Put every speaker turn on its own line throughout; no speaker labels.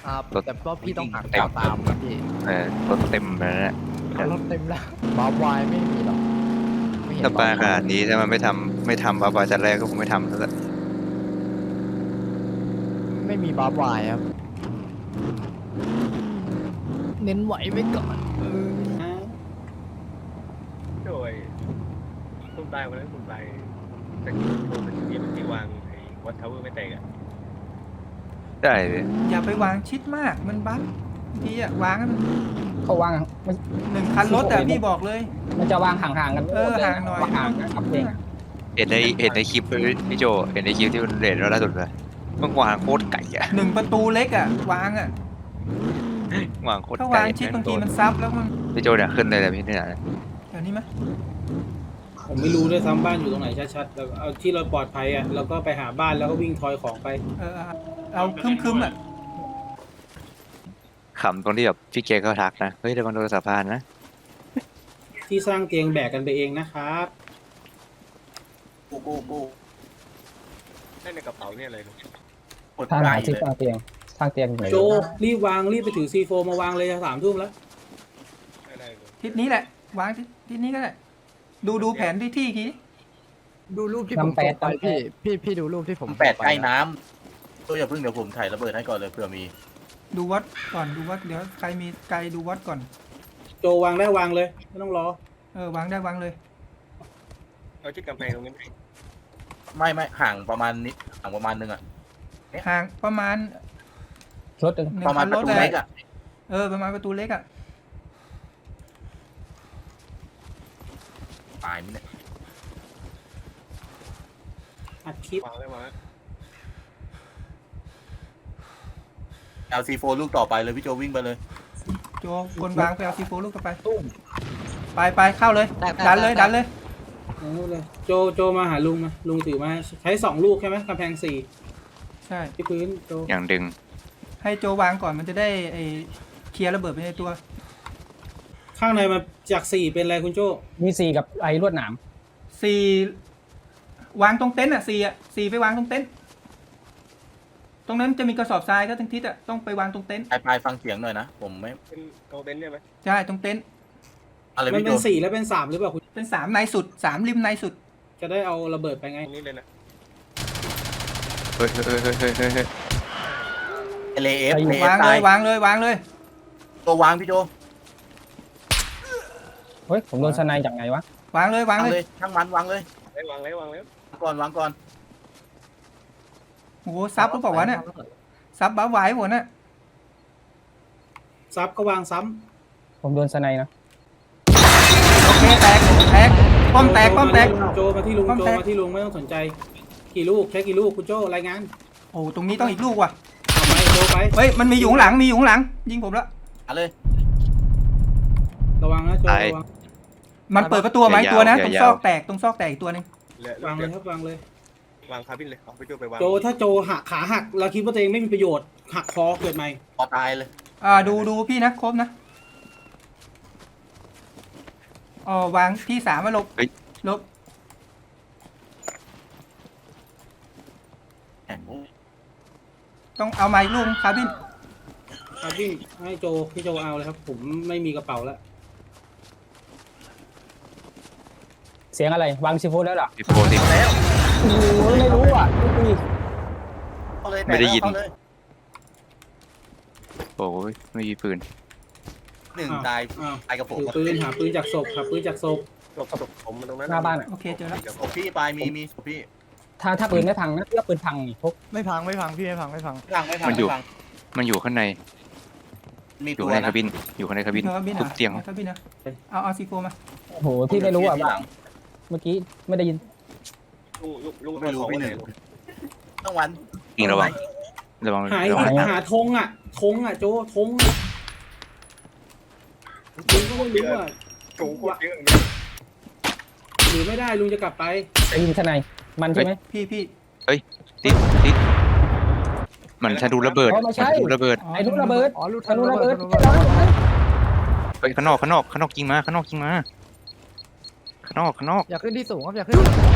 ครับ
รถ
แต่ว่าพี่ต้องหัก
เต็ม
ตามนะพี่
รถเต็มแล้วเนี่ย
รถเต็มแล้วบาร์วายไม่มีหรอกไม่เห็น
ถ้าปลาข
บร์ว
นาดนี้ถ้ามันไม่ทำปลาแต่แรกก็คงไม่ทำแล้วแหละ
ไม่มีบาร์วายครับ เน้นไหวไว้ก่อน
โดยคุณตายวันนั้นคุณตายแต่โดนที่วางไอ้วัดทาวเวอร์ไม่แตกอ่ะ
ได้เลย
อย่าไปวางชิดมากมันบั๊กบางทีอะวางให้มัน
เขาวางมัน
1 คันรถอะพี่บอกเลย
มันจะวางห่างๆกัน
ห่างหน่อย
ห่างกันครับเอง
เห็นในคลิปพี่โจเห็นในคลิปที่มันเรทล่าสุดเลยมันวางโคตรไก่อะ
1 ประตูเล็กอะวางอะ
วางโคตร
ถ้า
ไก่
วางชิดบางทีมันซับแล้วมัน
พี่โจเนี่ยขึ้นเลยนะพี่เนี่ย
เดี๋ยวนี้มั้ย
ผมไม่รู้ด้วยซ้ำบ้านอยู่ตรงไหนชัดๆแล้วเอาที่เราปลอดภัยอ่ะเราก็ไปหาบ้านแล้วก็วิ่งทอยของไป
เอาคึมๆอะ
ขำตรงที่แบบพี่เกเขาทักนะเฮ้ยระวังโดนสะพานนะ
ที่สร้างเตียงแบกกันไปเองนะครับ
กูได้ในกระเป๋าเนี่ยอะไรลูก
ทางหาที่สร้างเตียงไหน
โจรีบวางรีบไปถือ C4 มาวางเลย3 ทุ่มแล้ว
ได้เลย
ทิศนี้แหละวางทิศนี้ก็ได้ดูแผนที่ที
ดูรูปที่ผมส่งไปพี่ดูรูปที่ผม
แปด
ส่ง
ใกล้
นะ
น้ำตัวอย่าเพิ่งเดี๋ยวผมถ่ายระเบิดให้ก่อนเลยเผื่อมี
ดูวัดก่อนดูวัดเดี๋ยวใครมีไกลดูวัดก่อน
โจวางได้วางเลยไม่ต้องรอ
วางได้วางเลย
เอาที่กำแพงตรงนี้
ไม่ห่างประมาณนิดห่างประมาณนึงอ่ะ
ห่างประมาณ
รถ
1
ประมา
คั
ณ
น
ป
ร
ระ
ถ
ตู
เล
เล็
ย
กอ่ะ
ประมาณประตูเล็กอะ
ตายมั้ยเนี่ย
อัดคลิป
วางได้วาง
LC4 ลูกต่อไปเลยพี่โจวิ่งไปเลย
โจคนวางไปเอาซีโฟลูกต่อไปไปเข้าเลยดันเลย
เอานู่นเลยโจมาหาลุงมาลุงถือมาใช้2 ลูกใช่ไหมกำแพง4
ใช่
ที่พื้นโจ
อย่างดึง
ให้โจวางก่อนมันจะได้เคลียร์ระเบิดไปในตัว
ข้างในมาจาก4เป็นอะไรคุณโจ
มี4กับไอ้ลวดหนาม
4วางตรงเต็นท์อ่ะ4ไปวางตรงเต็นท์ตรงนั้นจะมีกระสอบทรายก็ทั้งทิศอ่ะต้องไปวางตรงเต็นท์
ไปฟังเสียงหน่อยนะผมไม่
เป็นโกลเด้นใช่ไหม
ใช่ตรงเต็นท์
อะไร
มัน
พี่โจ
เป็น4แล้วเป็น3หรือเปล่าคุณ
เป็น3ในสุด3ริมในสุด
จะได้เอาระเบิดไปไง
ตรงนี้เลยนะ
เฮ้ย
LAF
วาง
ตา
เลย ยวางเลย
ตัววางพี่โจ
เฮ้ยผมโดนสไนจากไหนวะ
วางเลย
วางเลยช่างมันวางเลย
วางแล้ว
วางก่อน
โอ้โหซับหรือเปล่าวะเนี่ยซับบ้าไหวหมดน่ะ
ซับก็วางซ้
ผมโดนสไนนะ
โอเคแตกป้อมแตก
โจมาที่ลุงโจมาที่ลุงไม่ต้องสนใจกี่ลูกใช้กี่ลูกคุณโจรายงาน
โอ้ตรงนี้ต้องอีกลูกว่ะ
เอาไปโจไป
เฮ้ยมันมีอยู่ข้างหลังยิงผมแล้ว
เอาเลย
ระวังนะโจระวัง
มันเปิดประตูไหมตัวนะตรงซอกแตกอีกตัวนึง
วางเลยครับวางเลย
วางคาบินเลยเอาไปโจไปวาง
โจถ้าโจหักขาหักเราคิดว่าตัวเองไม่มีประโยชน์หักคอเกิดใหม่
พอตายเลย
ดูพี่นะครบนะวางที่3มาลบ ต้องเอาไม้ลูกคาบิน
ครับวิ่งให้โจพี่โจเอาเลยครับ ผมไม่มีกระเป๋าแล้ว
เสียงอะไรวางซีโฟแล้วเหรอ
พี่โฟติ
แล้ว
โอ้โหไม่รู้อ่ะไม่มี
เข้าเลย
ไม่ได้ยิน
เข้าเลย
โอ้ยไม่มีปืน
1ตาย
อ้าว
ตายกับผม
ถือปืนหาปืนจากศพหาปืนจากศพ
ศพผมมันตรงนั้น
หน้าบ้านอ่ะ
โอเคเจอแล้ว
ศพพี่ปลายมีศพพี่
ถ้าปืนไม่พังนะเลือกปืนพังนี่พก
ไม่พังพี่ไม่พัง
ไม่พัง
มันอยู่ข้างใน
มี
อยู่
ตัว
ข้างใน
นะ
คาบินอยู่ข้างในคาบิน
คาบิน
ทุบเตียง
คาบินนะเอาซีโฟมา
โอ้โหพี่ไม่รู้อ่ะว่าเมื่อกี้ไม่ได้ยิน
ลุง
ไม่รู้พี่หนึ่งต้องวัน
ยิงระวัง
หาธงอ่ะโจธงลุงก็ไม่รู้อ่ะ
สูงกว่าเยอะ
หรือไม่ได้ลุงจะกลับไป
ได้ยินสไนมันใช่ไหม
พี่
ติดมันชาดูระเบิด
อ๋อไม่ใช่
ดูระเบิด
ไอ้ลูกระเบิด
อ๋อลูก
ทะลุระเบิด
ไปข้างนอกยิงมาข้างนอก
อยากขึ้นที่สูงครับอยากขึ้นที่สูง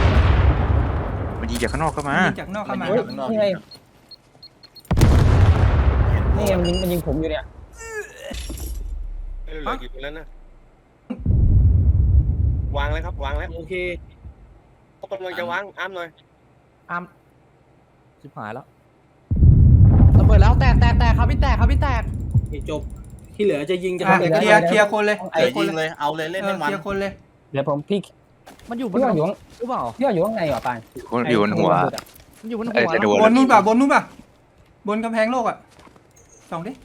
มันยิงจากข้างนอกเข้ามา
ยิงจากนอกเข้ามา
เฮ้ยนี่ไง
เ
นี่ไงมันยิงผมอยู่เนี่ย
เหลือกี่คนแล้วนะวางแล้วครับวางแล้ว
โอเค
เขากำลังจะวางอ้ามหน่อย
อ้ามชิบหายแล้วระเบิดแล้วแตกครับพี่แตก
จบที่เหลือจะยิงจะ
อ่ะ
ทำอะไร
เค
ก็
ลียร์คนเลย
เออยิงเลยเอาเลยเล่น
เอ
ให้
อ
มั
เคน ลียร์คนเลย
เดี๋ยวผมพี่
มันอยู่บ
พี่
น
ว่าอยู่
หรือเปล่า
พี่ว่าอยู่ข้างในเหรอปาน
อยู่บนหัว
มันอยู่บน
เอ้
หั
ยว จะโด
บนนู่นป่ะบนกำแพงโลกอ่ะส่องดิ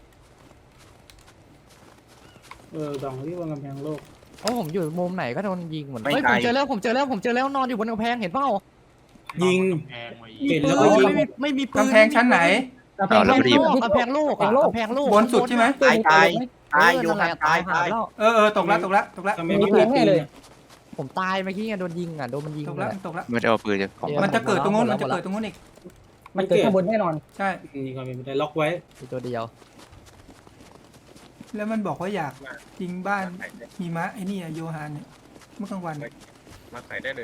ดองที่วางกำแพงโลก
โอ้ผมอยู่มุมไหนก็โดนยิงเหมือน
ไม่
เฮ้ย
ไก
ผ
ล
มเจอแล้วนอนอยู่บนกำแพงเห็นเปล่า
ยิง เห็นแล้วก็
ปื
ยิ
น
ง
ไม่มีปืน
กำแพงชั้นไหน
เอาแล้วรีบ
กำแพงโลกอะกำแพงโลก
บนสุดใช่ไหม
ตายอยู่
นั่นแห
หัน
ละ
ตาย
หา
ตาย
แล้ว
เออตกละ
ทำไมไม่มีปืนอะ
ผมตายเมื่อกี้ไงโดนยิงอ่ะโดนมันยิง
ตก
เล
ละ
ย
ตกละ
ไม่ได้เอาปืนจากของ
มันจะเกิดตรงนู้นอีก
มันเกิดข้างบนแน่นอน
ใช่
ยิงก่อนเป็นไปได้ล็อกไว้
มีตัวเดียว
แล้วมันบอกว่าอยากยิงบ้านหิมะไอ้นี่โยฮานเนี่ยเมื่อกลางวัน
มาใส่ได้เลย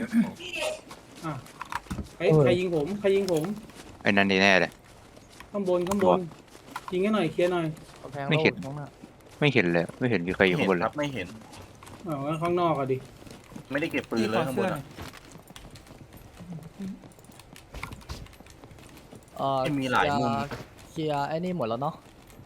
ใครยิงผมใครยิงผม
ไอ้นั่นนี่แน่เลย
ข้างบนยิงให้หน่อยเคลียร์หน่อย
กำแพง
ไม่
โล
เห็
ก
น
ข้างหน้า
ไม่เห็นเลยไม่เห็นมีใครอยู่
ไม่
ข้าง
เห็
บน
น
เล
ครั
ย
บไม่เห็น
งั้นข้างนอกอะดิ
ไม่ได้เก็บปืนเลยข้างบนอะ ไม่มีหลายมุม
เคลียร์ไอ้นี่หมดแล้วเนาะ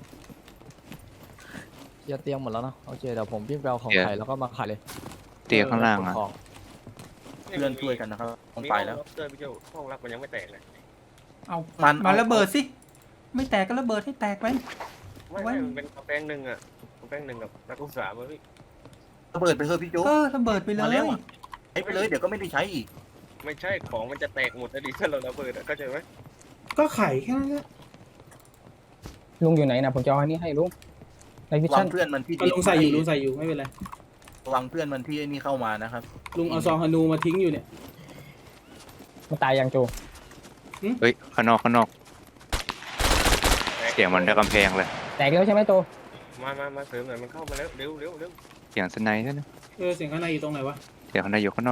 เคลียร์เตียงหมดแล้วเนาะโอเคเดี๋ยวผมวิ่งไปเอาของไข่แล้วก็มาขายเลย
เตียงข้างล่างอ่ะ
ของ
เพื่อนช่วยกันนะครับต้องไปแล้ว
เจอพี่เจ้าห้องรับมันยังไม่แตกเลย
เอา
มัน
มาระเบิดสิไม่แตกก็ระเบิดให้แตกไป
ไม่มันเป็นกำแพงหนึ่งอะกำแพงหนึ่งกับนักศึกษาเว้ย
ระเบิดไปเถอะพี่โจ๊ก
ระเบิดไปเล
มาแล้ว
ย
อะ ใช้ไปเลยเดี๋ยวก็ไม่ได้ใช้อีก
ไม่ใช่ของมันจะแตกหมดถ้าเราระเบิดเข้าใจไหม
ก็ไข่แค่นั้นแหละ
ลุงอยู่ไหนนะผมจะเอาอันนี้ให้ลุงในวิ
วา
ชั่
ง
น
เพื่อนมันที่
ลุงใส่อยู่ไม่เป็นไร
วางเพื่อนมันที่ไอ้นี่เข้ามานะครับ
ลุงเอาซองฮานูมาทิ้งอยู่เนี่ย
มันตายยังโจ
เฮ้ยข้างนอกเสียงมันได้กำแพงเลย
แตกแล้วใช่ไหมโจ
มาเสริมหน่อยมันเข้ามาแล้วเร็ว
เสียงสไนด์ใช่ไหม
เสียงข้างในอยู่ตรงไหนวะ
เสียงข้างในอยู่ข้างนอก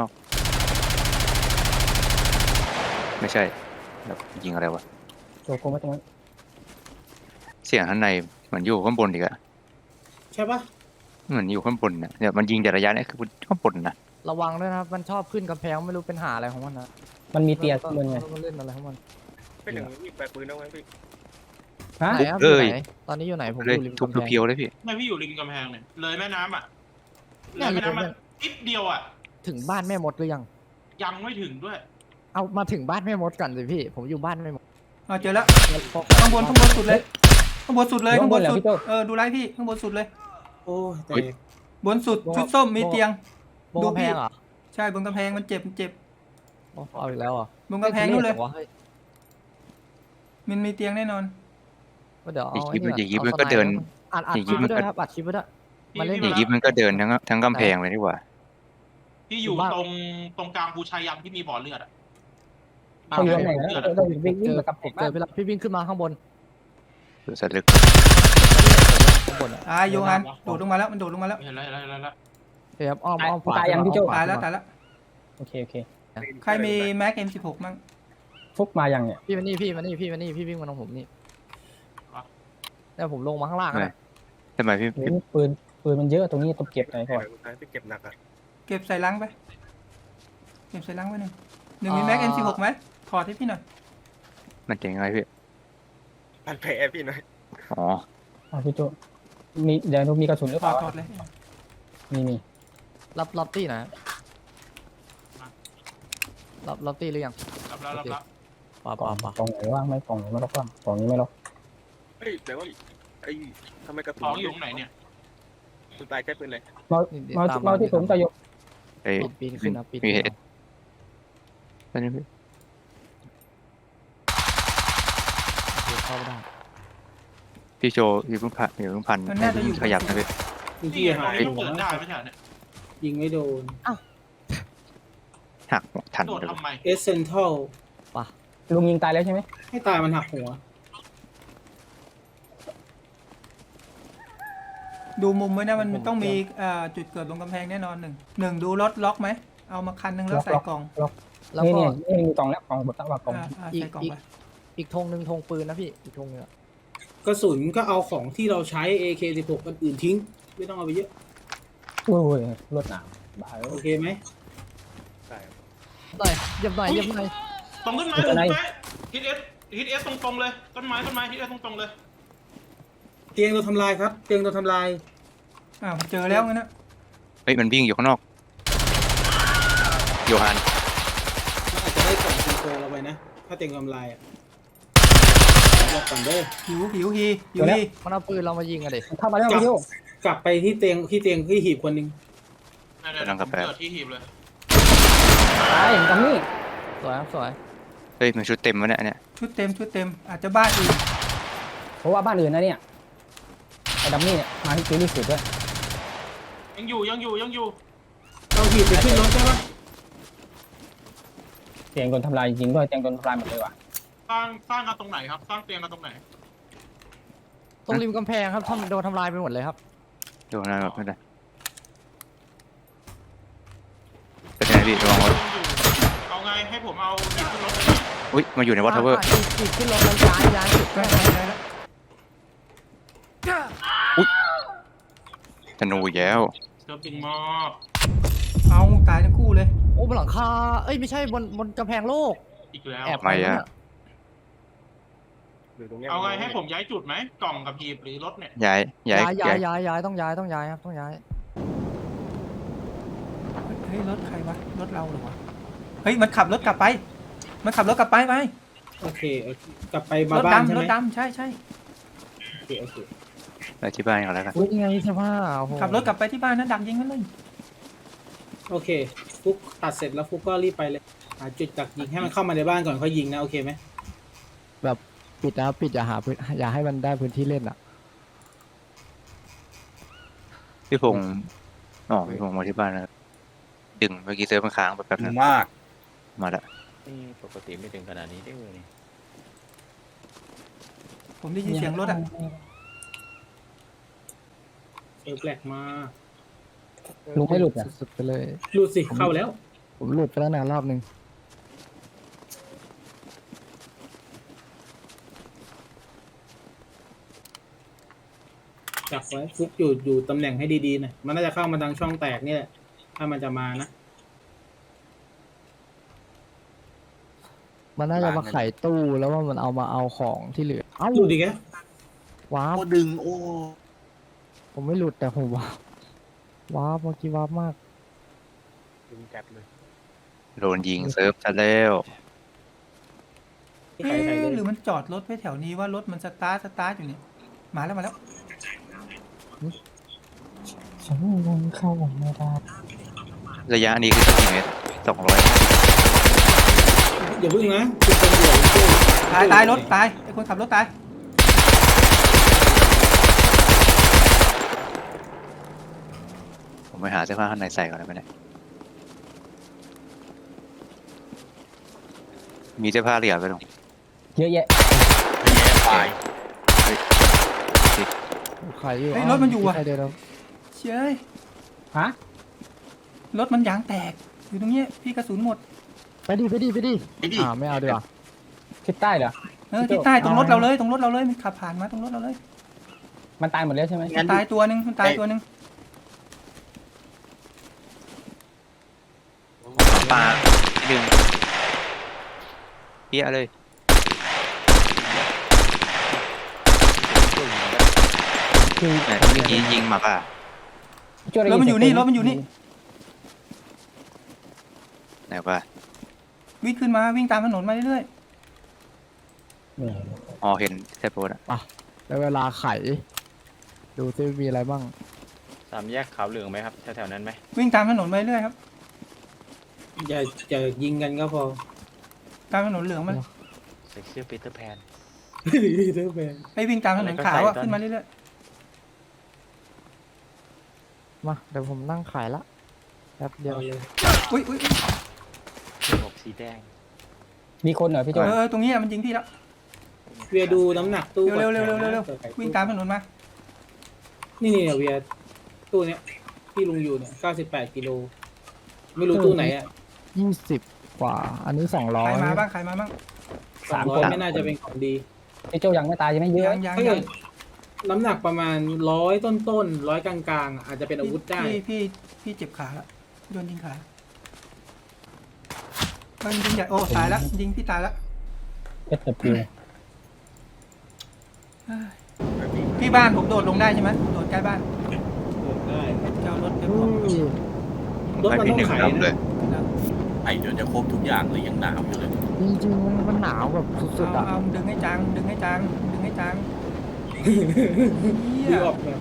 ไม่ใช่แล้วยิงอะไรวะ
โจโกงมาตรงนั้น
เสียงข้างในเหมือนอยู่ข้างบนอีกอะ
ใช่ปะ
เหมือนอยู่ข้างบนนะเนี่ยมันยิงแต่ระยะนี้คือข้างบนนะ
ระวังด้วยนะครับมันชอบขึ้นกำแพงไม่รู้เป็นหาอะไรของมันนะ
มันมีเตียข้างบนไง
มันเล่นอะไรของมัน
เป็นหนึ่งมีแปะปืนเอาไว้พี่
ฮะ
ไหนครับอยู่ไหนตอนนี้อยู่ไหนผม
เล
อย ยู่ริม
ทุบ
กำแพง
เพียวๆเลยพี่
ไม่พี่อยู่ริมกำแพงเนี่ยเลยแม่น้ำอ่ะเล
เนี่ย
ยแม่น้ำ
เล
มาย นิดเดียวอ่ะ
ถึงบ้านแม่มดหรือยัง
ยังไม่ถึงด้วย
เอามาถึงบ้านแม่มดก่อนสิพี่ผมอยู่บ้านแม่มด
เจอแล้วข้างบนสุดเลยข้างบนสุดดูไลฟ์พี่ข้างบนสุดเลย
โอ้แต่
บนสุดชุดส้มมีเตียง
บนกำแพงเหรอ
ใช่บนกำแพงมันเจ็บ
โอ้เอาอีกแล้วเหรอ่ะ
บนกำแพงนู่นเลย
ฮ้
มันมีเตียงแน่นอน
ก็เดี๋ยวเอา
อย่างนี้มันก็เดิน
อัด
อย่าง
ค
นี้
ลิป
มั
ไว้
นก็
ด้วยครับอัดคลิปไว้ด้วย
พี่
มาเล่น
อย่างนี้มันก็เดินทั้งกำแพงเลยดีกว่า
ที่อยู่
บ้าน
ตรงกลางภูชายันที่มีบ่อเลือดอ่ะ
เขาอยู่ตรงไหนนะเราวิ่งมากับ
ผมเจอไปแล้วพี่วิ่งขึ้นมาข้างบน
ดูสัตว์ลึก
ข้างบนอ่ะ
โยฮันโดดลงมาแล้วมันโดดลงมาแล้ว
เห็นแล้ว
เดี๋ยวอ้อมขวา
ตายยังพี่โจ
ตายแล้ว
โอเค
ใครมีแม็ก M16 มั่ง
ฟุกมายังเนี่ย
พี่มานี่พี่วิ่งมาตรงผมนี่แล้วผมลงมาข้างล่างนะ
ทำไมพี่
ปืนมันเยอะตรงนี้ต้องเก็บหน่อยก่อน
พี่เก็บหนักอะ
เก็บใส่ลังไปเก็บใส่ลังไว้หนึ่งมีแม็ก M16 ไหมถอดให้พี่หน่อย
มันเจ๋งอะไรพี่
พันแผลพี่หน่อย
อ๋อ
พี่โจมีเดี๋ยวมีกระสุนหรือเปล่า
ถอดเลย
มี
รับตี้นะรับตี้หรือยัง
รับแล้ว
ป่าก
ล่
ป่า
องไหนว่างไหมกล่องไหนไม่ล็อกว่างกล่องนี้ไม่ล็อก
เฮ้ยแต่ว่าไอ้ทำไมกระสุ
ของอยู่ตรงไหนเนี่ย
คุณตายใช้ปืนเลย
มาที่ผมจะยก
ไอ้
ปีนขึ้นนะปีน
มีเหตุนั่นนี่พี่
เข้าไม่ได้
พี่โจอยู่เพิ่งพันขยับนะพี่
ที่หาย
ต้องเดินได้ไม่ใช่เนี่ย
ยิงไม่โดน
หักทัน
โดด
เลย
ทำไม
เอเซนทัล
ลุงยิงตายแล้วใช่ไหม
ให้ตายมันหักหัว
ดูมุมไว้นะมันต้องมีจุดเกิดบนกำแพงแน่นอนหนึ่งดูรถล็อกไหมเอามาคันนึงแล้วใส่กล่อง
แล้ว
นี่
ก็
นี่มีกล่องแล้วกล่องบดตั้งว่ากล่อง
ใส่กล่องไป
อีกธงหนึ่งธงปืนนะพี่อีกธงนึง
กระสุนก็เอาของที่เราใช้ AK16 อันอื่นทิ้ง ไม่ต้องเอาไปเยอะ
โอ้ยรถหนามบ้า
โอเคไหม
ใช่ครับ
หน่อยเหยียบหน่อยเหยียบหน่อย
ตรงต้นไม้ตรงเป๊ะฮิตเอสตรงๆเลยต้นไม้ฮิตเอสตรงๆเลย
เตียงเราทำลายครับ เตียงเราทำลาย
อ้าวเจอแล้วงั้นนะ
เฮ้ยมันวิ่งอยู่ข้างนอกโยฮัน
มันอาจจะได้กล่องซิงโครเราไปนะ ถ้าเตียงทำลายอ่ะบอกก่อนเด้อ
หิวฮี
มันเอาปืนเรามายิงอะเด็ก
เข้ามาแล้วพี่โจ
กลับไปที่เตียงที่หีบคนหนึ่ง
เดี๋ยวผมเกิดที่หีบเลย
ตายตรงนี้
สวยครับสวย
เฮ้ยมันชุดเต็มวะเนี่ย
ชุดเต็มอาจจะบ้านอื่น
เพราะว่าบ้านอื่นนะเนี่ยไอ้ดัมมี่เนี่ยมาที่คิวที่สุดด้วย
ยังอยู่
เอาหีบไปขึ้นรถใช่ปะ
เตียงโดนทำลายจริงด้วยเตียงโดนทำลายหมดเลยว่ะ
สร้างกันตรงไหนครับ สร้างเตียงกันตรงไหน
ตรงริมกำแพงครับโดนทำลายไปหมดเลยครับ
โยฮันแบบไม่ได้เป็นไงพี่ระวังรถ
เอาไงให้ผมเอาหีบขึ้นรถ
อุ้ยมาอยู่ในวอเตอร์เวอร์
อีกขึ้นรถแล้วย้ายจุด
ได้
แม่
แล้ว
ธนูอีกแล้ว
เติมปิงมอบ
เอาตายทั้งคู่เลย
โอ้บนหลังคาเอ้ยไม่ใช่บนกำแพงโลก
อีกแล้ว
แอบ
ไม่อะ
หรือตรงเนี้ย
เอาไงให้ผมย้ายจุดไหมกล่องกับหีบหรือรถเนี่ย
ย้าย
ย้ายต้องย้ายครับต้องย้าย
เฮ้ยรถใครวะรถเราเหรอวะเฮ้ยมันขับรถกลับไปไหม
โอเคโอเค กลับไปมาร
ถ
บ้านใช่
ดำ
ไหม
ใช่
โอเคโอเค
ไปที่บ้านก่อนแล้วกัน
อุ้ยยังไงเสื้อผ้าโอ้โห
ขับรถกลับไปที่บ้านนะดักยิงมันเลย
โอเค ฟุกตัดเสร็จแล้วฟุกก็รีบไปเลย หาจุดดักยิงให้มันเข้ามาในบ้านก่อนค่อยยิงนะ โอเคไหม
แบบปิดนะครับปิดอย่าหาพื้นอย่าให้มันได้พื้นที่เล่นอ่ะ
พี่พงศ์พี่พงศ์มาที่บ้านแล้วดึงเมื่อกี้เซิร์ฟมันค้างไปแป๊บนึง
มาก
มาละ
นี่ปกติไม่ถึงขนาดนี้ได้เลย
ผมได้ยินเสียงรถอ่ะ
แปลกมาก
ลุงไม่หลุดอ่ะ
สุดๆไปเลย
หลุดสิ เข้าแล้ว
ผมหลุดไปแล้วนะรอบนึง
จับไว้ฟุกอยู่ตำแหน่งให้ดีๆหน่อยมันน่าจะเข้ามาทางช่องแตกนี่แหละถ้ามันจะมานะ
มันน่าจะมาไขตู้แล้วว่ามันเอาของที่เหลือเอ้า
หลุดอีกแล้ว
ว้า
โอ้
บ
ดึงโอ้
ผมไม่หลุดแต่ผมว้าบเมื่อกี้ว้าบมาก
ดึงแก๊ปเลย
โดนยิงเซิร์ฟซะแล้ว
เอ๊ะหรือมันจอดรถไว้แถวนี้ว่ารถมันสตาร์ทอยู่นี่มาแล้ว
ฉันยังเข้าไม่ได้
ระยะนี้คือกี่เมตร200
อย่าพึ่งนะคุณตำรวจ
ตายรถตายไอ้คนขับรถตาย
ผมไปหาเสื้อผ้าข้างในใส่ก่อนได้ไหมเนี่ยมีเสื้อผ้าเหลือไปหรอ
เยอะแยะ
ตาย
ใครอยู่
เฮ้ยรถมันอยู่อ่ะ
ใครเดินแล้ว
เชื่อ
ฮะ
รถมันยางแตกอยู่ตรงเนี้ยพี่กระสุนหมด
ไปดิไม่เอาดีกว่า
ทิศใต้เหรอ
ที่ใต้ตรงรถเราเลยมันขับผ่านมาตรงรถเราเลย
มันตายหมดแล้วใช่ไหม
มันตายตัวหนึ่ง
ปลาที่ดึงเปี้ยเลย
คือ
เนี่ยเมื่อกี้ยิงมาป่ะ
รถมันอยู่นี่
ไหนป่ะ
วิ่งขึ้นมาวิ่งตามถนนมาเรื่อย
อ๋อเห็นแค่โพสอะ
แล้วเวลาไข ดูซิมีอะไรบ้าง
สามแยกขาวเหลืองไหมครับแถวๆนั้นไหม
ๆวิ่งตามถนนมาเรื่อยครับ
อย่ายิงกันก็พอ
ตามถนนเหลืองมัน
ใส่เสื้อปีเตอร์แพน
เท่าแบน
ไปวิ่งตามถนนขาวอะขึ้นมาเรื่อย
มาเดี๋ยวผมนั่งขายละแป๊บเดียว
เอาเลย
ๆอุ้ย
หมวกสีแดง
มีคนเหรอพี่โจ
ตรงนี้มันยิงพี่แล้ว
เวียดูน้ำหนักตู้
เร็ว
ก่อน
วิ่งตามถนนมา
นี่เวียตู้เนี้ยที่ลุงอยู่เนี่ย98 กิโล ไม่รู้ตู้ไหนอ่ะ
20 กว่า อันนี้
ใครมา
200
บ้าง
300ไม่น่าจะเป็นของดี
พี่โจยังไม่ตายยังไม่เยอะ
ยัง
ถ้า
ยั
เกิ
ง
ดน้ำหนักประมาณ100ต้นๆ100กลางๆอาจจะเป็นอาวุธได้
พี่เจ็บขาละโดนยิงขามันยิงใหญ่โอ้ตายแล้วยิงพี่ตายแล้ว
เอสปิว
พี่บ้านผมโดดลงได้ใช่ไหมโดดใกล้บ้าน
ได้
เจ้ารถเดี๋ยวผม
รถมัน
พี่
ต้อ
หนึ่
ง
ง
ไข
ดำเล
นะ
ย
ไอเดี๋ยวจะครบทุกอย่างเลยยังหนาวอยู่เลย
จริงๆมันหนาวแบบสุดๆอ่ะ
เอาดึงให้จังดึงให้จังดึงให้จังเหี้
ดี
ย
ออกแบบ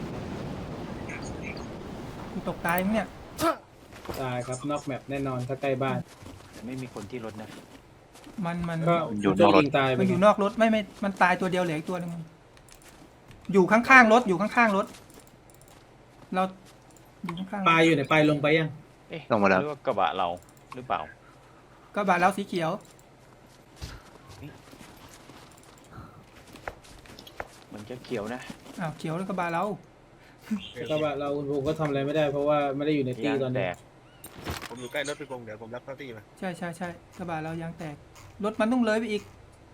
กูตกตายมั้งเนี่ย
ตายครับนอกแมปแน่นอนถ้าใกล้บ้าน
แต่ไม่มีคนที่รถนะ
มัน
ก็
อยู่นอกรถ
ยิงตายไป
มันอยู่นอกรถไม่มันตายตัวเดียวเหลืออีกตัวหนึงอยู่ข้างๆรถอยู่ข้างๆรถเราอยู่ข้างๆ
ปลายอยู่ไหนปลายลงไปยัง
เอ๊ะ
ลงมาแล้ว
หรือว่ากระบะเราหรือเปล่า
ก็บาดเราสีเขียว
มันจะเขียวนะ
อ้าวเขียวแล้วก็บาดเรา
ก็ว่าเราคุณภูมิก็ทำอะไรไม่ได้เพราะว่าไม่ได้อยู่ในตี
ยาง
ตอน
แต
นี้
ก
ผมอยู่ใกล้รถพี่พงษ์เดี๋ยวผมรับเข้าที่มา
ใช่กระบาดเรายางแตกรถมันต้องเลยไปอีก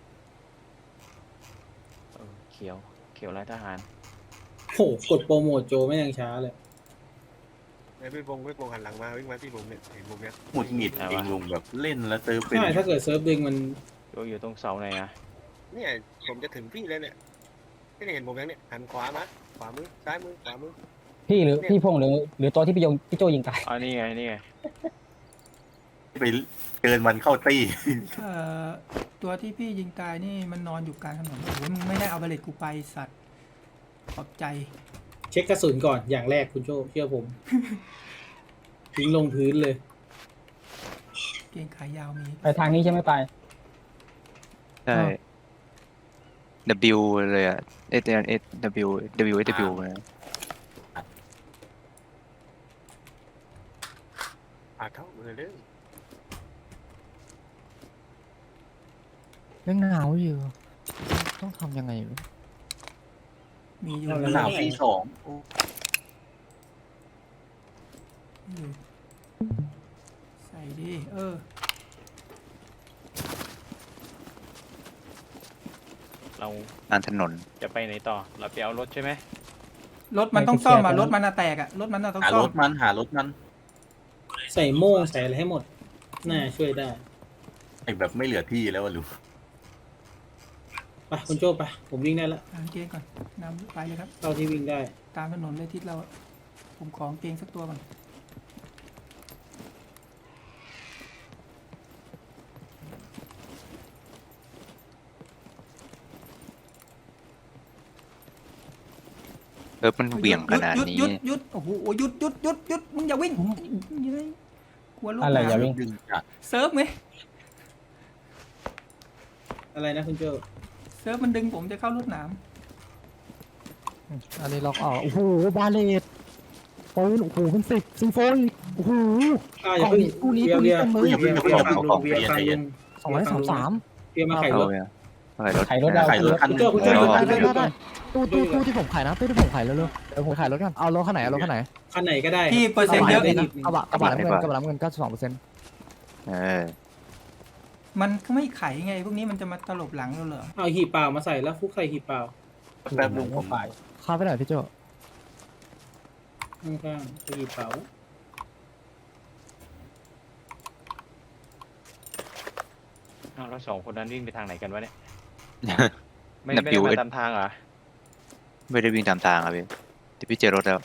เขียวเขียวลายทหาร
โหกดโปรโมทโจไม่ยังช้าเลย
ไอ้พี่พงษ์หันหลังมาวิ่งมาที่ผมเนี่ยเห็นผมเนี่ย
หงุดหงิดเองลุงแบบเล่นแล้วเซิร์ฟเป็น
ใช่ถ้าเกิดเซิร์ฟดึงมัน
อยู่ตรงเสาไหนอะ
เนี่ยผมจะถึงพี่แล้วเนี่ยไม่ได้เห็นผมยังเนี่ยหันขวามาขวามือซ้ายมือขวามือ
พี่หรือพี่พงษ์หรือตัวที่พี่โจยิงตาย
อ๋อนี่ไงนี่ไง
ไปเกินมันเข้าตี้
ตัวที่พี่ยิงตายนี่มันนอนอยู่กลางถนนโอ้โหมึงไม่ได้เอาเบลเลตกูไปสัตว์ขอบใจ
เช็คกระสุนก่อนอย่างแรกคุณโจเชื่อผม ทิ้งลงพื้นเลย
เกงขายาวมี
ไปทางนี้ใช่ไหมไป
ใช่ W เลยอ่ะ S S W W S W มา
เท่าเลยเรื่อง
ยังหนาวอยู่ ต้องทำยังไงวะ
มีอยู่
นั่นแหละ
หนาวปีสอง
อยู่ใส่ดิ
เรา
อ่านถนน
จะไปไหนต่อ เราไปเอารถใช่ไหม
รถมันต้องซ่อมอ่ะ
ไปเคลียร์
รถมันอะแตกอ่ะรถมันอะต้อง
หา
ซ่อ
ร
ม
ถมันหารถมัน
ใส่โม่งใส่อะไรให้หมด น่าช่วยได้
ไอแบบไม่เหลือที่แล้วอะลุง
ไปคุณโจไป ผมวิ่งได้แล้ว
กางเกงก่อนนำไปเลยครับ
เท่าที่วิ่งได้
ตามถนนเลยทิศเราอะผมขอกางเกงสักตัวก่อน
มันเหวี่ยงขนาดนี้
หยุดโอ้โหหยุดมึงอย่าวิ่งเย้ยกลัวลูก
อะไรอย่า
ห
วิ่
มาง
ดึงจาก
เซิร์ฟไง
อะไรนะคุณโจ
เซิร์ฟมันดึงผมจะเข้ารถหนาม
อันนี้ล็อกออกโอ้โหบาเลตปืนโอ้โหเป็น10ซีโฟอีกโอ้โห
อย่าเพิ่ง
กู้นี้
เบียร์เบียร์
กู้นี้
เบียร์เบียร์ฟังลุงเบียร์ฟังลุง
233
เบียร์มาไข
เอา
รถ
เนี่ยรถ
ไขรถเรา
ขายรถคัน
คุณโจคุณโจ
อ๋อ
คุณโจ
ได้ตู้ที่ผมขายนะตู้ที่ผมขายเร็วๆเดี๋ยวผมขายรถกันเอารถคันไหนเอารถคันไหน
คันไหนก็ได้
พี่เปอร์เซ็นต์เยอะ
กระบะน้ำเงิน92%
เออ
มันก็ไม่ไขไงพวกนี้มันจะมาตลบหลังเราเหรอ
เอาหีบเปล่ามาใส่แล้วฟุกใส่หีบเปล่า
แป๊บลุงผม
ไป
เข้าไปหน่อยพี่โจ
ข้างๆใส่หีบเปล่า
อ้าวแล้วสองคนนั้นวิ่งไปทางไหนกันวะเนี่ย ไม่
นับ
ได้
อยู่
มาตามทางเหรอ
ไม่ได้วิ่งตามทางอ่ะพี่แต่พี่เจอรถแล้ว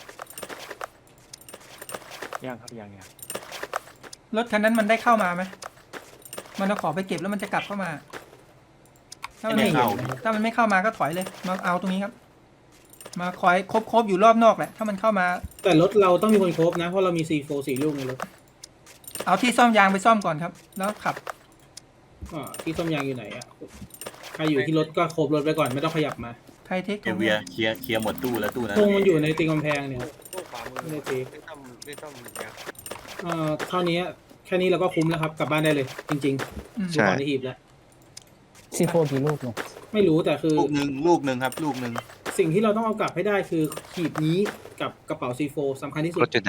ยังครับยัง
รถคันนั้นมันได้เข้ามาไหมมันเอาของไปเก็บแล้วมันจะกลับเข้ามา ถ้ามัน
ไม่
ไม่
เห็น
ถ้ามันไม่เข้ามาก็ถอยเลย มาเอาตรงนี้ครับ มาคอยครบอยู่รอบนอกแหละ ถ้ามันเข้ามา
แต่รถเราต้องมีคนครบนะ เพราะเรามี C4 4 ลูกในรถ
เอาที่ซ่อมยางไปซ่อมก่อนครับ แล้วขับ
ที่ซ่อมยางอยู่ไหนอ่ะ ใครอยู่ที่รถก็ครบรถไปก่อนไม่ต้องขยับมา
ใครเทค
เอเวียเคลียร์หมดตู้แล้วตู้นั้น
พงมันอยู่ในตีนกำแพงเนี่ย
พวกขวามือ
ไม่ได้เทค
ไม่ต้องอย่าง
เท่านี้แค่นี้เราก็คุ้มแล้วครับ กลับบ้านได้เลย จริง
อืม
ๆดูก่อนในหีบแล้ว
ซีโฟกี่ลูกลง
ไม่รู้แต่คือ
ลูกหนึ่งครับลูกหนึ่ง
สิ่งที่เราต้องเอากลับให้ได้คือหีบนี้กับกระเป๋า C4 สำคัญที่สุด
รถจุดไหน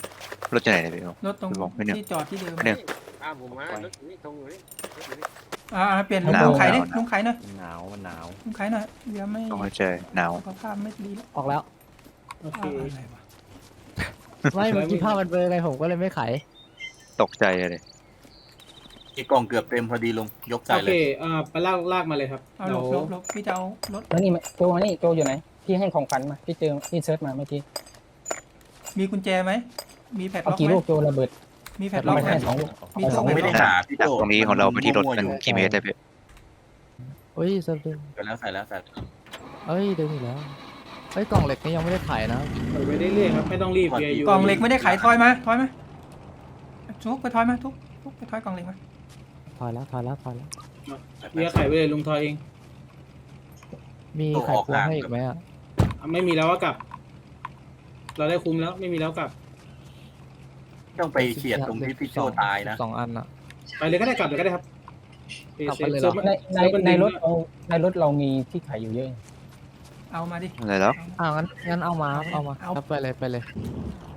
รถจุดไหนเนี่ยพี่
รถตรง
บอกไม่เนี่ย
ที่จอดที่เดิม
เนี่ย
ตามผมมารถอยู่นี่ตรงอยู่นี่รถอยู่นี่
เปลี่ยน
หนาว
ลุงไข่ดิ
หนาว
ลุงไข่หน่อย
มันหนาวมันหนาว
ลุงไข่หน่อยเดี๋ยวไม่
ต้องเข้าใจหนาว
สุขภาพไม่ดีแล้ว
ออกแล้ว
โอเค
อะไรวะ
ไม่เมื่อกี้ภาพมันเบลอไงผมก็เลยไม่ไข
ตกใจเลย
อีกกล่องเกือบเต็มพอดีลุงยกใส่
โอ
เล
เค
ย
ไปลากมาเลยครับ
เอา
เดี๋
หล
ยว
บหลบพี่จะเอารถ
แล้วนี่โจมานี่โจอยู่ไหนพี่ให้ของขวัญมาพี่เจอพี่เซิร์ชมาเมื่อกี้
มีกุญแจไหมมีแพด
เอา
ล็อก
กี่
ไหม
ลูกโจระเบิด
มีแพดล็อก
ไม่
ไหม
ใช่2 ลูก
มี
เอา
สอง
2 ลูก
ไม่ได้หาพี่
จาก
โจ
ตรงนี้ของเราไปที่รถมัน
มั่วๆ
กี่เมตรได้พี่
เฮ้ยเซิร์ฟดึง
ใส่แล้วใส่แล้วใส่
เฮ้ยดึงอีกแล้วเฮ้ยกล่องเหล็กนี่ยังไม่ได้ไขนะ
เปิดไปเรื่อยๆครับไม่ต้องรีบเบียร์อยู่
กล่องเหล็กไม่ได้ขายทอยมาทุกไปทอยมาทุกไปทอยกล่องเหล็กมา
ถอยแล้ว
เบียร์ไข่ไปเลยลุงทอยเอง
มีไขควงให้อีกไหมอ่ะ
ไม่มีแล้วก็กลับ เราได้คุ้มแล้วไม่มีแล้วกลับ
ต้องไปเฉียดตรงที่พี่โจตายนะ
2 อันอ่ะ
ไปเลยก็ได้กลับเลยก็ได้ครับ
กลับไปเลยเหรอ
ในรถเรามีที่ขายอยู่เยอะ
เอามาดิ
อะไรแล้ว
งั้นเอามาครับเอามา
เอา
ครับไปเลย